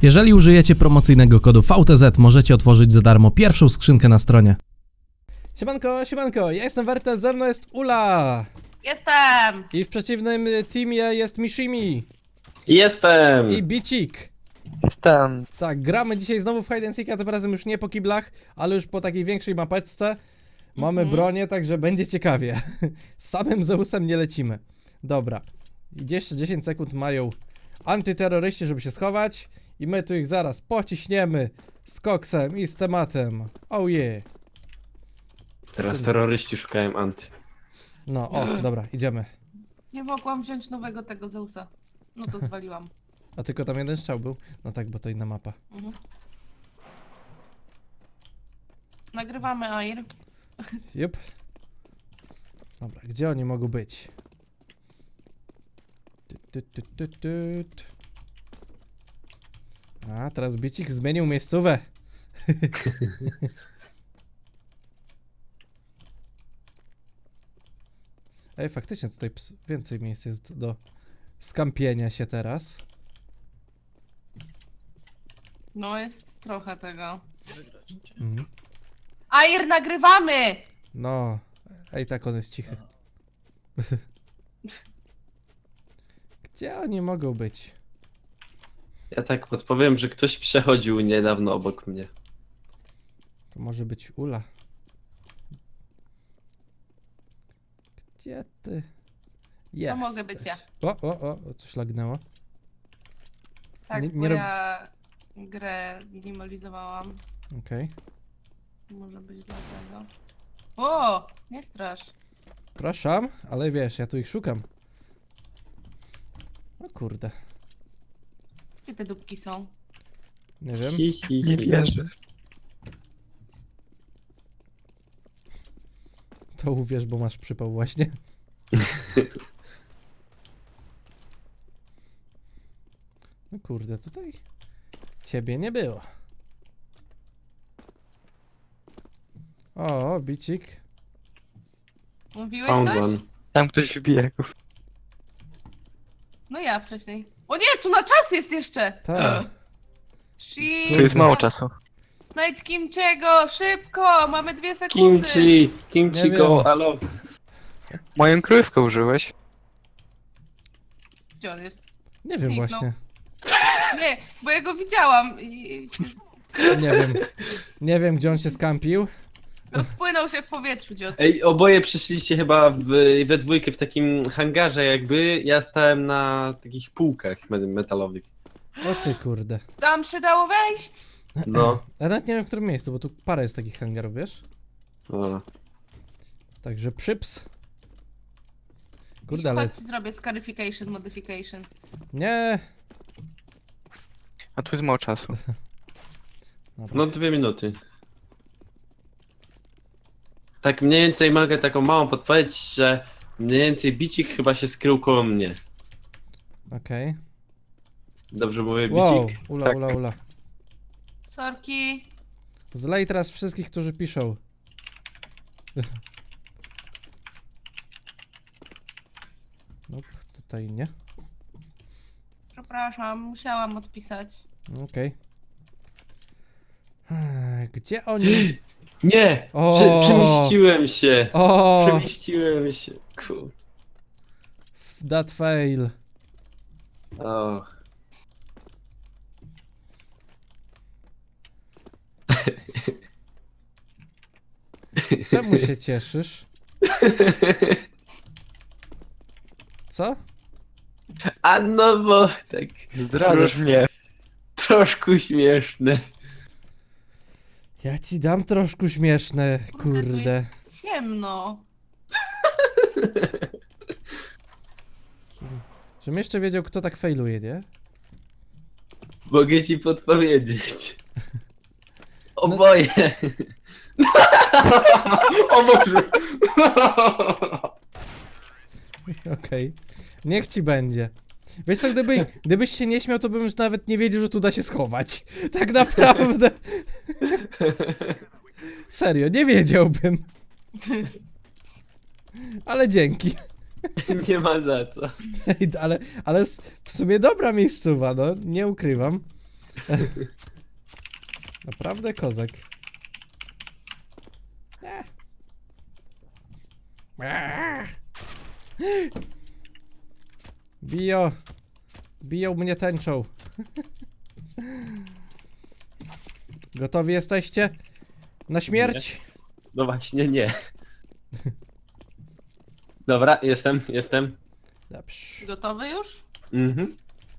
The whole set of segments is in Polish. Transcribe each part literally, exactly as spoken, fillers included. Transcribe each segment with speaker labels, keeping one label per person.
Speaker 1: Jeżeli użyjecie promocyjnego kodu V T Z, możecie otworzyć za darmo pierwszą skrzynkę na stronie. Siemanko, siemanko, ja jestem Wertes, ze mną jest Ula.
Speaker 2: Jestem!
Speaker 1: I w przeciwnym teamie jest Mishimi.
Speaker 3: Jestem!
Speaker 1: I Bicik.
Speaker 4: Jestem.
Speaker 1: Tak, gramy dzisiaj znowu w Hide and Seeka, tym razem już nie po kiblach, ale już po takiej większej mapeczce. Mamy
Speaker 2: Mhm.
Speaker 1: bronię, także będzie ciekawie. Z samym Zeusem nie lecimy. Dobra. I jeszcze dziesięć sekund mają antyterroryści, żeby się schować. I my tu ich zaraz pociśniemy z koksem i z tematem. Oh yeah.
Speaker 3: Teraz terroryści szukają anty.
Speaker 1: No, o, dobra, idziemy.
Speaker 2: Nie mogłam wziąć nowego tego Zeusa. No to zwaliłam.
Speaker 1: A tylko tam jeden strzał był? No tak, bo to inna mapa.
Speaker 2: Mhm. Nagrywamy Air.
Speaker 1: Jup. Dobra, gdzie oni mogą być? Tut, tut, tut, tut, tut. A, teraz Bicik zmienił miejscówę. Ej, faktycznie tutaj ps- więcej miejsc jest do skampienia się teraz.
Speaker 2: No jest trochę tego.
Speaker 1: Mhm.
Speaker 2: Air, nagrywamy!
Speaker 1: No, ej, tak on jest cichy. Gdzie oni mogą być?
Speaker 3: Ja tak podpowiem, że ktoś przechodził niedawno obok mnie.
Speaker 1: To może być Ula. Gdzie ty? Jest.
Speaker 2: mogę być ja.
Speaker 1: O, o, o, o, coś lagnęło.
Speaker 2: Tak,
Speaker 1: Nie-
Speaker 2: bo
Speaker 1: nie rob-
Speaker 2: ja grę minimalizowałam.
Speaker 1: Okej.
Speaker 2: Może być dlatego. O! Nie strasz.
Speaker 1: Przepraszam, ale wiesz, ja tu ich szukam. O kurde.
Speaker 2: Gdzie te dupki są?
Speaker 1: Nie wiem.
Speaker 3: Hi, hi,
Speaker 4: Nie
Speaker 3: hi.
Speaker 4: wierzę.
Speaker 1: To uwierz, bo masz przypał właśnie. No kurde, tutaj ciebie nie było. O, Bicik.
Speaker 2: Mówiłeś
Speaker 3: Found
Speaker 2: coś?
Speaker 3: one.
Speaker 4: Tam ktoś wbiegł.
Speaker 2: No ja wcześniej. O nie, tu na czas jest jeszcze!
Speaker 1: Tak.
Speaker 2: Shit!
Speaker 4: Tu jest mało czasu.
Speaker 2: Znajdź Kimciego, szybko! Mamy dwie sekundy!
Speaker 3: Kimchi! Kimchi
Speaker 1: Nie
Speaker 3: go,
Speaker 1: wiem.
Speaker 3: alo!
Speaker 4: Moją krówkę użyłeś.
Speaker 2: Gdzie on jest?
Speaker 1: Nie wiem
Speaker 2: Zniknął.
Speaker 1: właśnie.
Speaker 2: Nie, bo ja go widziałam i się
Speaker 1: Nie wiem. Nie wiem, gdzie on się skampił.
Speaker 2: rozpłynął się w powietrzu, dziot.
Speaker 3: Ej, oboje przeszliście chyba w, we dwójkę w takim hangarze jakby. Ja stałem na takich półkach me- metalowych.
Speaker 1: O ty kurde.
Speaker 2: Tam się dało wejść!
Speaker 3: No.
Speaker 1: Ja nawet nie wiem, w którym miejscu, bo tu parę jest takich hangarów, wiesz?
Speaker 3: O.
Speaker 1: Także przyps. Kurde, ale...
Speaker 2: Chodź, zrobię scarification, modification.
Speaker 1: Nie.
Speaker 4: A tu jest mało czasu.
Speaker 1: Dobra.
Speaker 3: No dwie minuty. Tak mniej więcej mogę taką małą podpowiedź, że mniej więcej Bicik chyba się skrył koło mnie.
Speaker 1: Okej.
Speaker 3: Dobrze mówię,
Speaker 1: Wow,
Speaker 3: Bicik?
Speaker 1: ula,
Speaker 4: Tak.
Speaker 1: ula, ula.
Speaker 2: Sorki.
Speaker 1: Zlej teraz wszystkich, którzy piszą. Nope, tutaj nie.
Speaker 2: Przepraszam, musiałam odpisać.
Speaker 1: Okej. Ech, Gdzie oni?
Speaker 3: Nie!
Speaker 1: O!
Speaker 3: Prze przemieściłem się!
Speaker 1: O,
Speaker 3: Przemieściłem się. Kur...
Speaker 1: that fail.
Speaker 3: O.
Speaker 1: Czemu się cieszysz? Co?
Speaker 3: A no bo tak
Speaker 4: Zdradzasz mnie.
Speaker 3: troszkę śmieszne.
Speaker 1: Ja ci dam troszkę śmieszne,
Speaker 2: Kurde, tu
Speaker 1: kurde.
Speaker 2: jest ciemno.
Speaker 1: Żebym jeszcze wiedział, kto tak failuje, nie?
Speaker 3: Mogę ci podpowiedzieć.
Speaker 1: No-
Speaker 3: Oboje. O Boże.
Speaker 1: Okej. Niech ci będzie. Wiesz co, gdyby, gdybyś się nie śmiał, to bym już nawet nie wiedział, że tu da się schować. Tak naprawdę. Serio, nie wiedziałbym. Ale dzięki.
Speaker 3: Nie ma za co.
Speaker 1: Ej, ale, ale s- w sumie dobra miejscowa, no, nie ukrywam. Naprawdę kozak. Bijo. Biją mnie tęczą. Gotowi jesteście? Na śmierć?
Speaker 3: No właśnie, nie. Dobra, jestem, jestem.
Speaker 1: Dobrze.
Speaker 2: Gotowy już?
Speaker 3: Mhm.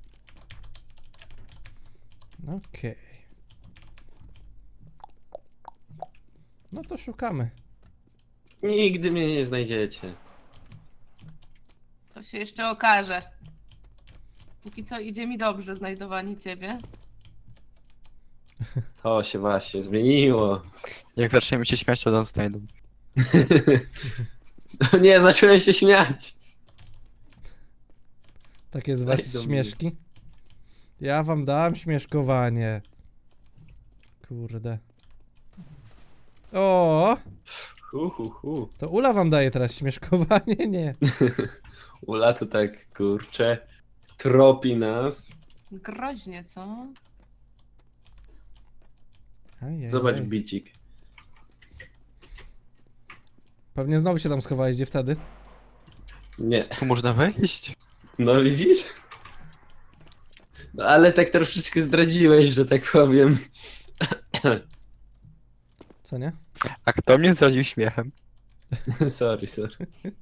Speaker 1: Okej. No to szukamy.
Speaker 3: Nigdy mnie nie znajdziecie.
Speaker 2: To się jeszcze okaże. Póki co idzie mi dobrze znajdowanie ciebie.
Speaker 3: To się właśnie zmieniło.
Speaker 4: Jak zaczniemy się śmiać, to nas znajdą.
Speaker 3: No nie, zacząłem się śmiać.
Speaker 1: Takie z was
Speaker 3: Znajdą mnie.
Speaker 1: śmieszki. Ja wam dam śmieszkowanie. Kurde. O,
Speaker 3: Hu, hu, hu.
Speaker 1: to Ula wam daje teraz śmieszkowanie? Nie.
Speaker 3: Ula to tak, kurczę, tropi nas.
Speaker 2: Groźnie, co?
Speaker 1: Ajajaj.
Speaker 3: Zobacz bicik.
Speaker 1: Pewnie znowu się tam schowałeś, gdzie wtedy?
Speaker 3: Nie,
Speaker 4: Tu można wejść?
Speaker 3: no widzisz? No ale tak troszeczkę zdradziłeś, że tak powiem.
Speaker 1: Co nie?
Speaker 4: A kto mnie zdradził śmiechem?
Speaker 3: Sorry, sorry.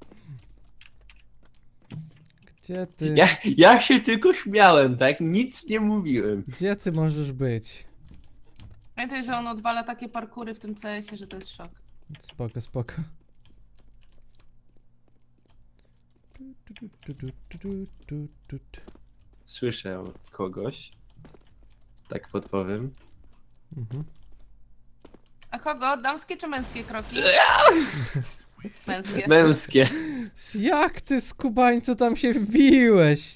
Speaker 1: Gdzie ty?
Speaker 3: Ja, ja się tylko śmiałem, tak? Nic nie mówiłem.
Speaker 1: Gdzie ty możesz być?
Speaker 2: Pamiętaj, że on odwala takie parkury w tym C S ie, że to jest szok.
Speaker 1: Spoko, spoko. Tu, tu, tu, tu, tu, tu, tu, tu, tu.
Speaker 3: Słyszę kogoś. Tak podpowiem.
Speaker 1: Mhm.
Speaker 2: A kogo? Damskie czy męskie kroki? Męskie.
Speaker 3: Męskie.
Speaker 1: Jak ty, skubańcu, tam się wbiłeś?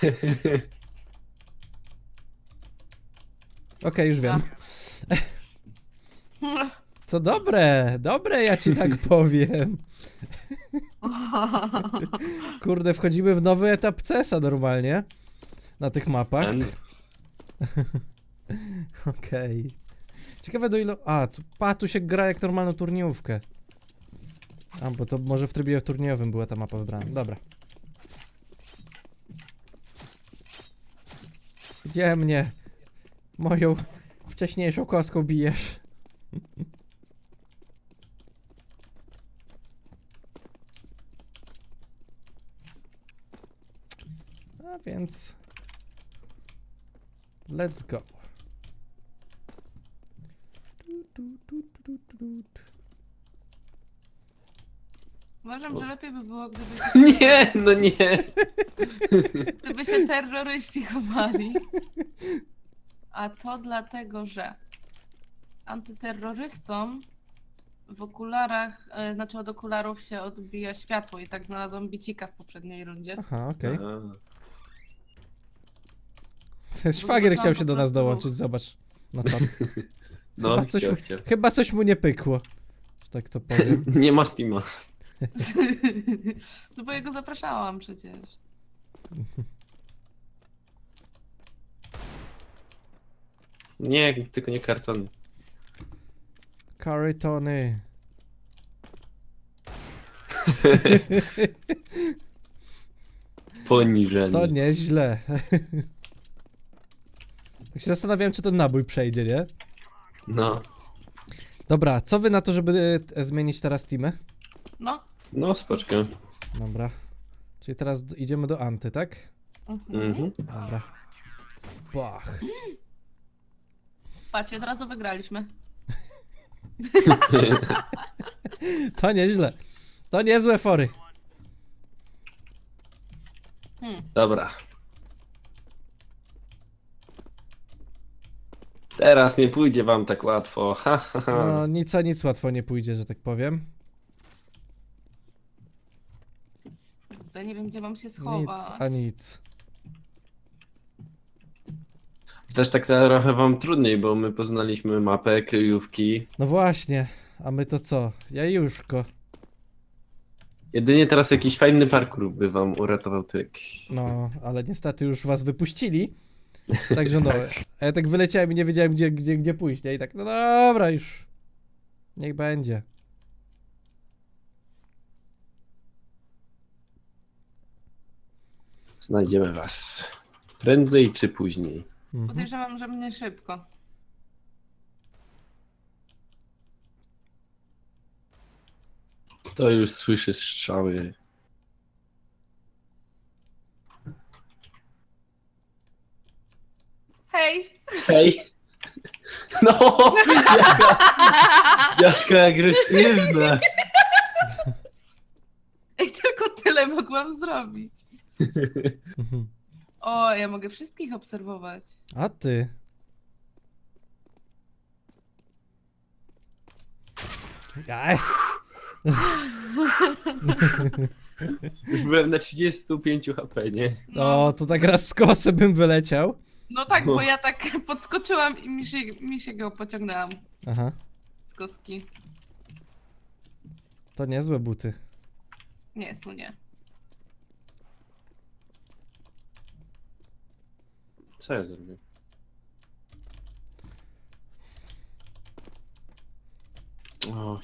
Speaker 1: Okej, już wiem. To dobre, dobre, ja ci tak powiem. Kurde, wchodzimy w nowy etap C S a normalnie. Na tych mapach.
Speaker 3: Ten-
Speaker 1: Okej. Ciekawe do ilu... A, tu, pa, tu się gra jak normalną turniejówkę. A, bo to może w trybie turniejowym była ta mapa wybrana. Dobra. Gdzie mnie moją wcześniejszą kostką bijesz? A więc... Let's go. Tu, tu, tu, tu, tu, tu, tu.
Speaker 2: Uważam, że lepiej by było, gdyby się,
Speaker 3: Nie, no nie.
Speaker 2: gdyby się terroryści chowali. A to dlatego, że antyterrorystom w okularach, e, znaczy od okularów się odbija światło i tak znalazłam bicika w poprzedniej rundzie.
Speaker 1: Aha, okej.
Speaker 3: A,
Speaker 1: Ten szwagier
Speaker 2: zobaczyłam
Speaker 1: chciał się
Speaker 2: po
Speaker 1: do nas
Speaker 2: prostu
Speaker 1: dołączyć, zobacz. Na czat.
Speaker 3: No,
Speaker 1: Chyba coś,
Speaker 3: chciał,
Speaker 1: mu,
Speaker 3: chciał.
Speaker 1: chyba coś mu nie pykło. Że tak to powiem.
Speaker 3: Nie ma Steama.
Speaker 2: No bo ja go zapraszałam przecież.
Speaker 3: Nie, tylko nie kartony.
Speaker 1: Karytony.
Speaker 3: Poniżenie.
Speaker 1: To nieźle. Tak się zastanawiałem, czy ten nabój przejdzie, nie?
Speaker 3: No,
Speaker 1: Dobra, co wy na to, żeby e, zmienić teraz teamy?
Speaker 2: No.
Speaker 3: no spoczkę.
Speaker 1: Dobra. Czyli teraz d- idziemy do Anty, tak?
Speaker 2: Mhm.
Speaker 3: Mhm.
Speaker 1: Dobra. Bach.
Speaker 2: Patrzcie, od razu wygraliśmy.
Speaker 1: To nieźle. To niezłe fory.
Speaker 2: Hmm.
Speaker 3: Dobra. Teraz nie pójdzie wam tak łatwo. Ha, ha, ha.
Speaker 1: No nic a nic łatwo nie pójdzie, że tak powiem.
Speaker 2: Kurde, nie wiem, gdzie mam się
Speaker 1: Nic
Speaker 2: schować.
Speaker 1: a nic.
Speaker 3: Też tak trochę wam trudniej, bo my poznaliśmy mapę, kryjówki.
Speaker 1: No właśnie. A my to co? Jajuszko.
Speaker 3: Jedynie teraz jakiś fajny parkour by wam uratował tyk.
Speaker 1: No, ale niestety już was wypuścili. Także no. A ja tak wyleciałem i nie wiedziałem gdzie, gdzie, gdzie pójść, nie? I tak, no dobra już. Niech będzie.
Speaker 3: Znajdziemy was. Prędzej czy później.
Speaker 1: Mhm.
Speaker 2: Podejrzewam, że mnie szybko.
Speaker 3: To już słyszy strzały.
Speaker 2: Hej!
Speaker 3: Hej! No! Jaka, jaka agresywna!
Speaker 2: Ej, tylko tyle mogłam zrobić.
Speaker 1: Mhm.
Speaker 2: O, ja mogę wszystkich obserwować.
Speaker 1: A ty? Aj.
Speaker 3: Już byłem na trzydzieści pięć H P, nie?
Speaker 1: O, to tak raz z kosy bym wyleciał.
Speaker 2: No tak, bo ja tak podskoczyłam i mi się, mi się go pociągnęłam
Speaker 1: Aha,
Speaker 2: z kostki.
Speaker 1: to niezłe buty.
Speaker 2: Nie, tu nie.
Speaker 3: Co ja zrobię? Oj.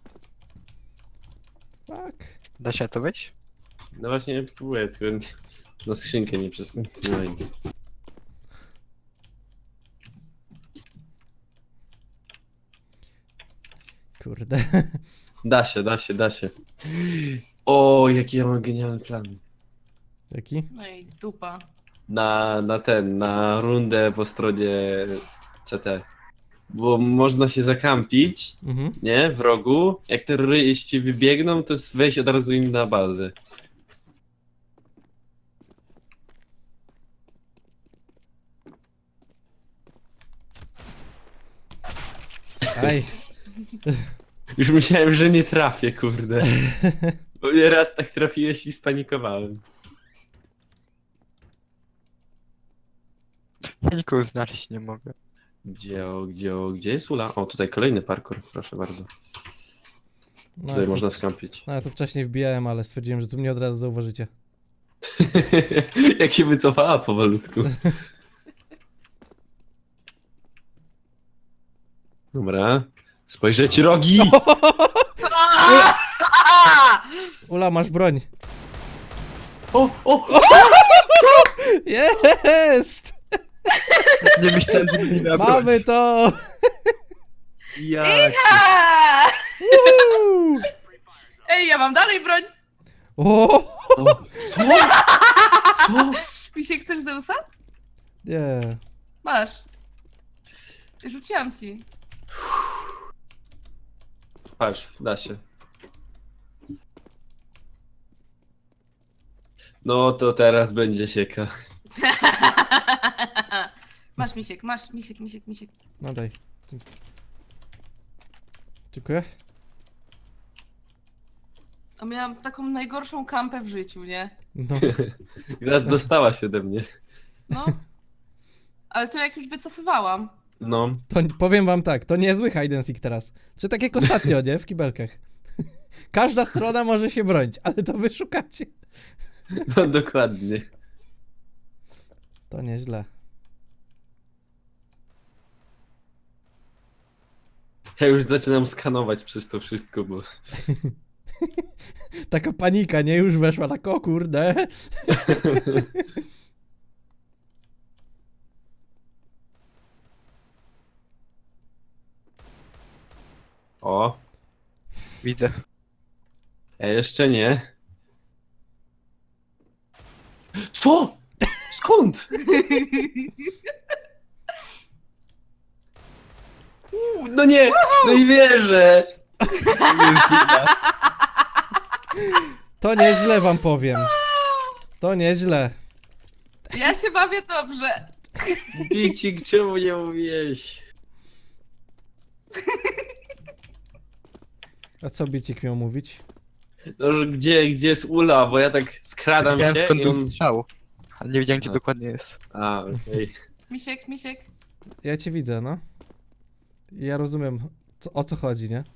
Speaker 1: Tak.
Speaker 4: Da się to wejść?
Speaker 3: No właśnie próbuję, tylko nie- na skrzynkę nie przez... No i...
Speaker 1: Kurde.
Speaker 3: Da się, da się, da się. O, jaki ja mam genialny plan.
Speaker 1: Jaki?
Speaker 2: No i dupa.
Speaker 3: Na, na ten, na rundę po stronie C T. Bo można się zakampić,
Speaker 1: Mhm.
Speaker 3: nie? W rogu. Jak terroryści wybiegną, to jest wejść od razu im na bazę.
Speaker 1: Aj.
Speaker 3: Już myślałem, że nie trafię, kurde. Bo mnie raz tak trafiłeś i spanikowałem.
Speaker 4: Ja nikogo znaleźć nie mogę.
Speaker 3: Gdzie, o, gdzie, o, gdzie jest Ula? O, tutaj kolejny parkour, proszę bardzo.
Speaker 1: No,
Speaker 3: Tutaj
Speaker 1: ja
Speaker 3: można
Speaker 1: to,
Speaker 3: skampić.
Speaker 1: no, ja to wcześniej wbijałem, ale stwierdziłem, że tu mnie od razu zauważycie.
Speaker 3: Jak się wycofała powolutku. Dobra. Spojrzeć rogi!
Speaker 1: Ula, masz broń.
Speaker 3: O, o!
Speaker 1: Jest!
Speaker 4: Nie myślałem, że nie miała
Speaker 1: Mamy
Speaker 4: broni.
Speaker 1: to!
Speaker 3: Jak?
Speaker 2: A!
Speaker 1: Woo!
Speaker 2: Ej, ja mam dalej broń!
Speaker 1: O!
Speaker 3: O, co? Co?
Speaker 2: Misiek, chcesz Zeusa?
Speaker 1: Nie.
Speaker 2: Masz. Rzuciłam ci.
Speaker 3: Patrz, da się. No to teraz będzie sieka.
Speaker 2: Masz misiek, masz misiek, misiek, misiek.
Speaker 1: No daj. Dziękuję.
Speaker 2: A miałam taką najgorszą kampę w życiu, nie?
Speaker 1: No.
Speaker 3: Raz dostałaś ode mnie.
Speaker 2: No. Ale to jak już wycofywałam.
Speaker 3: No.
Speaker 1: To n- powiem wam tak, to niezły hide and seek teraz. Czy tak jak ostatnio, nie? W kibelkach. Każda strona może się bronić, ale to wy szukacie.
Speaker 3: No dokładnie.
Speaker 1: To nieźle.
Speaker 3: Ja już zaczynam skanować przez to wszystko, bo...
Speaker 1: Taka panika, nie? Już weszła tak, o kurde.
Speaker 3: O,
Speaker 4: Widzę.
Speaker 3: ja jeszcze nie. Co? Skąd? Uuu, no nie, no i wierzę.
Speaker 4: Jest inna.
Speaker 1: To nieźle wam powiem. To nieźle.
Speaker 2: Ja się bawię dobrze.
Speaker 3: Bicik, czemu nie mówiłeś?
Speaker 1: A co Bicik miał mówić?
Speaker 3: No, że gdzie, gdzie jest Ula, bo ja tak skradam
Speaker 4: Wiedziałem,
Speaker 3: się
Speaker 4: skąd
Speaker 3: i
Speaker 4: był
Speaker 3: on...
Speaker 4: strzał. Ale nie wiedziałem, gdzie
Speaker 3: A.
Speaker 4: dokładnie jest.
Speaker 3: A, okej.
Speaker 2: Misiek, misiek.
Speaker 1: Ja cię widzę, no. I ja rozumiem, co, o co chodzi, nie?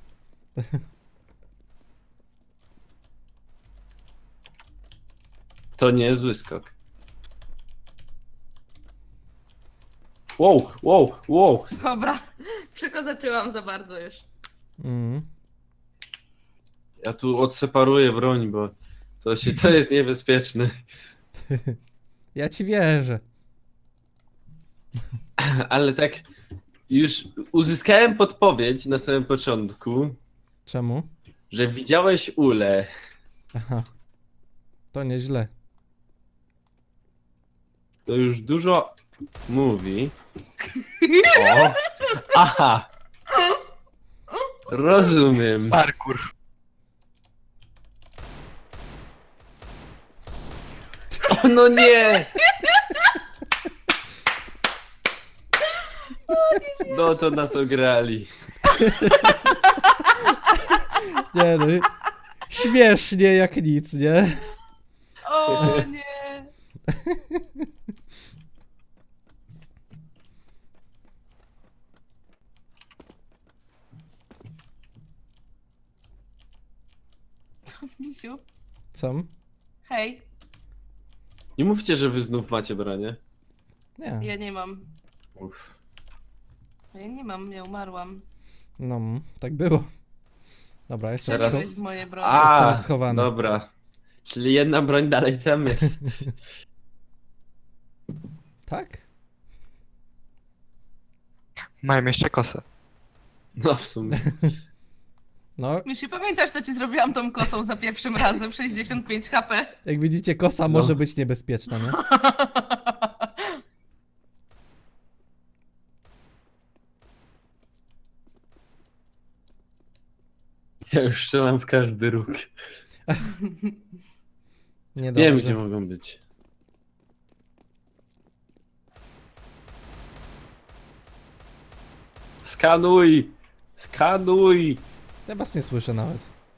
Speaker 3: To niezły skok. Wow, wow, wow.
Speaker 2: Dobra, przykozaczyłam za bardzo już.
Speaker 1: Mm.
Speaker 3: Ja tu odseparuję broń, bo to się, to jest niebezpieczne.
Speaker 1: Ja ci wierzę.
Speaker 3: Ale tak już uzyskałem podpowiedź na samym początku,
Speaker 1: Czemu?
Speaker 3: że widziałeś Ulę.
Speaker 1: Aha. To nieźle.
Speaker 3: To już dużo mówi. O! Aha! Rozumiem.
Speaker 4: Parkour.
Speaker 3: O no nie! No to na co grali.
Speaker 1: Nie no. Śmiesznie jak nic, nie?
Speaker 2: O nie. Misiu,
Speaker 1: Co?
Speaker 2: hej,
Speaker 3: Nie mówcie, że wy znów macie bronię.
Speaker 1: Nie.
Speaker 2: ja nie mam.
Speaker 3: Uff.
Speaker 2: Ja nie mam, ja umarłam.
Speaker 1: No, tak było. Dobra, jestem,
Speaker 3: Teraz-
Speaker 1: scho-
Speaker 2: Strzeliłeś z mojej broni.
Speaker 3: A,
Speaker 1: Jestem schowany.
Speaker 3: dobra. Czyli jedna broń dalej tam jest.
Speaker 1: Tak?
Speaker 4: Mają jeszcze kosę.
Speaker 3: No w sumie.
Speaker 1: No,
Speaker 2: Misiu, pamiętasz, co ci zrobiłam tą kosą za pierwszym razem? sześćdziesiąt pięć H P.
Speaker 1: jak widzicie, kosa
Speaker 3: No.
Speaker 1: może być niebezpieczna, nie?
Speaker 3: Ja już strzelam w każdy róg.
Speaker 1: Nie
Speaker 3: Wiem,
Speaker 1: dobrze.
Speaker 3: gdzie mogą być. Skanuj! Skanuj!
Speaker 1: Ja was nie słyszę nawet.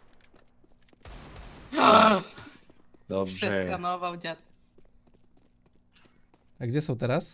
Speaker 3: Dobrze.
Speaker 2: Przeskanował dziad.
Speaker 1: A gdzie są teraz?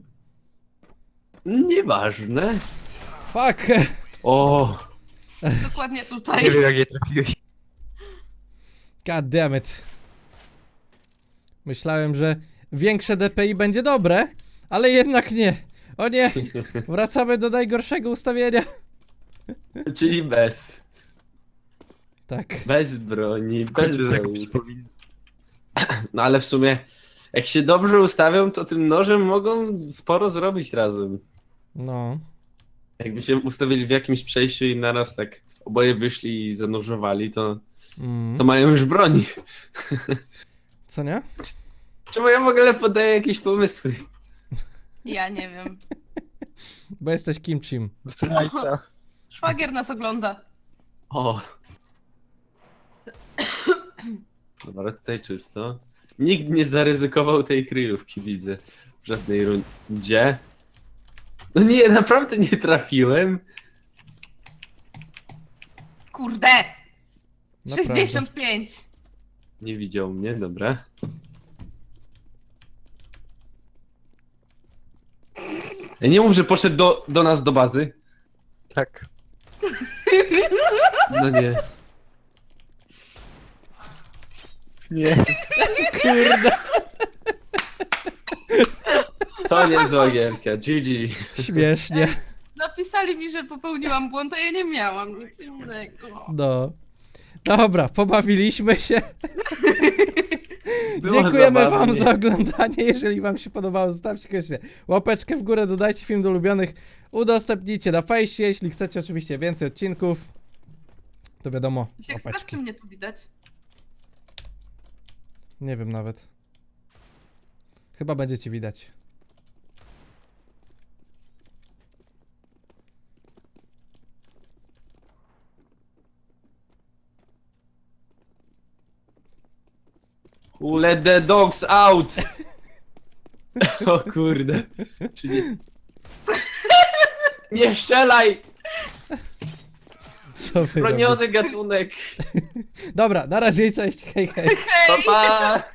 Speaker 3: Nieważne.
Speaker 1: Fuck!
Speaker 3: O!
Speaker 2: Dokładnie
Speaker 4: Nie
Speaker 2: tutaj.
Speaker 4: wiem jak je trafiłeś.
Speaker 1: God damn it. Myślałem, że większe D P I będzie dobre, ale jednak nie. O nie! Wracamy do najgorszego ustawienia.
Speaker 3: Czyli bez.
Speaker 1: Tak.
Speaker 3: Bez broni, bez
Speaker 4: Kończy
Speaker 3: Zeus.
Speaker 4: zakupić powinien.
Speaker 3: No ale w sumie, jak się dobrze ustawią, to tym nożem mogą sporo zrobić razem.
Speaker 1: No.
Speaker 3: Jakby się ustawili w jakimś przejściu i naraz tak oboje wyszli i zanożowali, to,
Speaker 1: Mm.
Speaker 3: to mają już broni.
Speaker 1: Co nie?
Speaker 3: Czemu ja w ogóle podaję jakieś pomysły?
Speaker 2: Ja nie wiem.
Speaker 1: Bo jesteś kimchim.
Speaker 4: Zdrajca.
Speaker 2: Szwagier nas ogląda.
Speaker 3: O! Dobra, tutaj czysto. Nikt nie zaryzykował tej kryjówki, widzę. W żadnej rundzie. No nie, naprawdę nie trafiłem.
Speaker 2: Kurde!
Speaker 1: Naprawdę.
Speaker 2: sześćdziesiąt pięć.
Speaker 3: Nie widział mnie, dobra. Ja nie mów, że poszedł do, do nas do bazy.
Speaker 4: Tak.
Speaker 3: No nie.
Speaker 4: Nie.
Speaker 1: Kurde.
Speaker 3: To nie zła gierka. G G.
Speaker 1: Śmiesznie.
Speaker 2: Napisali mi, że popełniłam błąd, a ja nie miałam nic innego.
Speaker 1: No. Dobra, pobawiliśmy się.
Speaker 3: Było
Speaker 1: Dziękujemy wam
Speaker 3: zabawnie.
Speaker 1: za oglądanie. Jeżeli wam się podobało, zostawcie koniecznie łapeczkę w górę, dodajcie film do ulubionych, udostępnijcie na fejsie, jeśli chcecie oczywiście więcej odcinków. To wiadomo,
Speaker 2: Jak sprawdź, czy
Speaker 1: łapeczki.
Speaker 2: mnie tu widać.
Speaker 1: Nie wiem nawet. Chyba będziecie widać.
Speaker 3: Let the dogs out! O kurde. Czyli... Nie strzelaj!
Speaker 1: Co wy
Speaker 3: Broniony
Speaker 1: robicie?
Speaker 3: gatunek.
Speaker 1: Dobra, na razie, cześć, hej hej.
Speaker 3: Pa, pa!